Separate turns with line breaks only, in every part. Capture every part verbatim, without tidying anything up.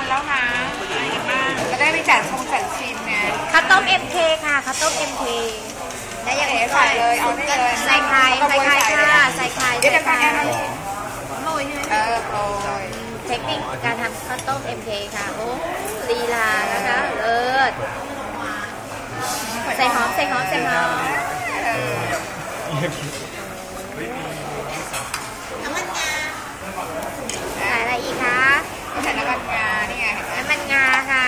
วันแล้วนะแล้วได้ไปจัดชงจัดชิมเนี่ย
ข้าวต้ม เอ็ม เค ค่ะข้าวต้ม เอ็ม เค
ได้ยังไงใส่เลยเอาได้เลย
ใส่ไข่ใส่ไข่ค่ะใส่ไข่
เดี๋ยวจะฟังแอนนะ
โรย
เออโรย
เทคนิคการทำข้าวต้ม เอ็ม เค ค่ะโอ้ลีลานะคะเลิศใส่หอมใส่หอมใส่หอมน้ำมันงาใส่อะไรอีกคะ
ใส่น้ำมันงานี่ไง
น้ำมันงาค่ะ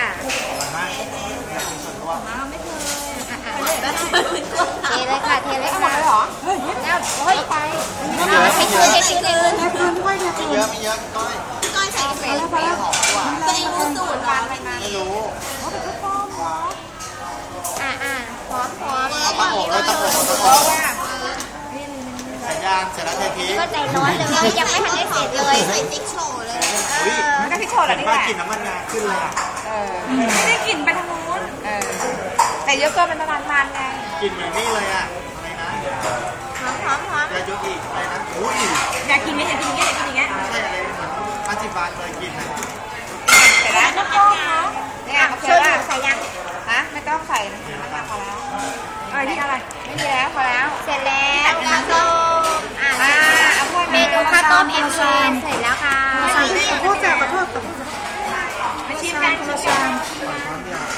เทเลยค่ะเทเลยค่ะ
หรอ
แล้วเฮ้ยไปใช้คืนใช้คืนใช้คืน
ไม่เยอะไม่เยอะก้อย
ก้อยใส่กาแฟแล้วไป
หอมกว่า
ตัวเองรู้สูตรวันอะไรมา
ไม่รู้
อ่าอ่าพร้อมพร้อม
ตั้งโอ่งเลยตั้งโอ่งตั้งโอ่งใส่ยางเสร็จแล้วเทพี
ก็ใจร้อนเลยยังไม่ทันได้เสร็จเลยใส่ติ๊กโชว์เลย
มันก็ติ๊กโชว์แหละนี่แหละ
กลิ่นน้ำมันงาขึ้นเลย
เออไม่ได้กลิ่นไปทางนู้นเออแต่เยอะเกินเป็นประมาณมันไง
กลิ่นอย่างนี้เลยอ่ะอะไรนะ
หอมหอมหอม
อย่ายุอีกอะไรนะอุ้ย
อยากกินไหมอยากกินอย่างเงี้ยอยากกินอย่างเงี้ย
ใช่อะไรเหมือนอาจิบานเคยกินนะ
เสร็จแล้วน้ำต้มเนาะเนี่ยโอเคแล้ว
ใส่ยัง
ฮะไม่ต้องใส่น้ำมันพอแล้วอะไรที่อะไรไม่มีแล้วพอแล้ว
เสร็จแล้วข้าวต้มอ่าเมนูข้าวต้มเอ็มเคเสร็จแล้วค่ะ
ขอโทษจ้ะขอโทษไม่ชิมกันชิมกัน